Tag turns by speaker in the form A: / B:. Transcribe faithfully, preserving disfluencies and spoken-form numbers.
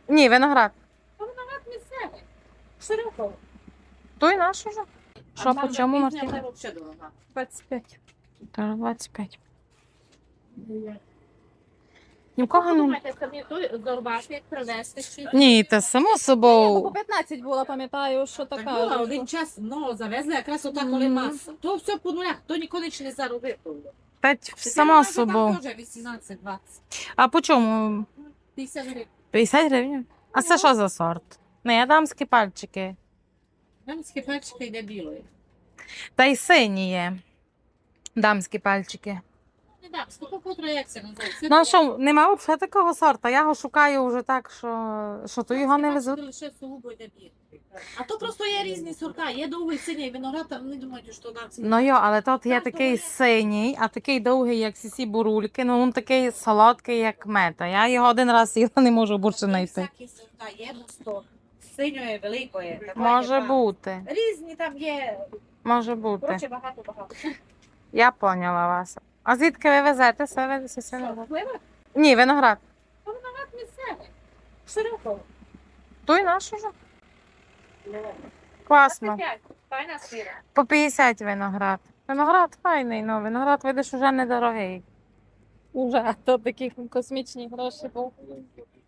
A: Ні, виноград.
B: Та виноград місцевий. Широко.
A: Той наш уже. Що, по чому, Мартина?
B: Вона взагалі дорога.
A: двадцять п'ять. Та двадцять п'ять. Нікого
B: Ви
A: не...
B: думаєте, самі той зорбати, як привезти? Чи...
A: Ні, та само
C: Ні, бо по
A: собою.
C: п'ятнадцять було, пам'ятаю, що
B: Так
C: така.
B: була, один час много завезли, якраз отак, коли
C: Мгм.
B: маса. То все по нулях, то ніколи не не заробив.
A: Та
B: Тепер
A: само
B: вона вже
A: собою.
B: Там теж вісімнадцять двадцять.
A: А по чому?
B: п'ятдесят гривень.
A: п'ятдесят гривень? А це що за сорт? Не, дамські пальчики.
B: Дамські пальчики йде білої.
A: Та й сині є. Дамські пальчики.
B: Не дамські, то котра як це називається?
A: Ну а що, нема взагалі такого сорта? Я його шукаю вже так, що, що то його не везуть.
B: Лише сугубо йде білий. А то просто є різні сорта. Є довгий синій виноград, а вони думають, що дамський.
A: Ну йо, але тут є
B: Так,
A: такий
B: то є.
A: синій, а такий довгий, як сісі бурульки, ну він такий солодкий, як мета. Я його один раз їла, не можу більше знайти.
B: Всякі сорта є, густо. Синьої, великої. такої,
A: Може
B: яка-
A: бути,
B: Різні там є.
A: може бути.
B: Коротше, багато-багато.
A: Я поняла вас. А звідки ви везете себе?
B: Що, пливе?
A: Ні, виноград.
B: Та виноград місцевий. Широко.
A: Той наш уже. Класно.
B: Файна сира.
A: По п'ятдесят виноград. Виноград файний, ну виноград, видиш, уже недорогий.
C: Уже, а то такі космічні гроші був.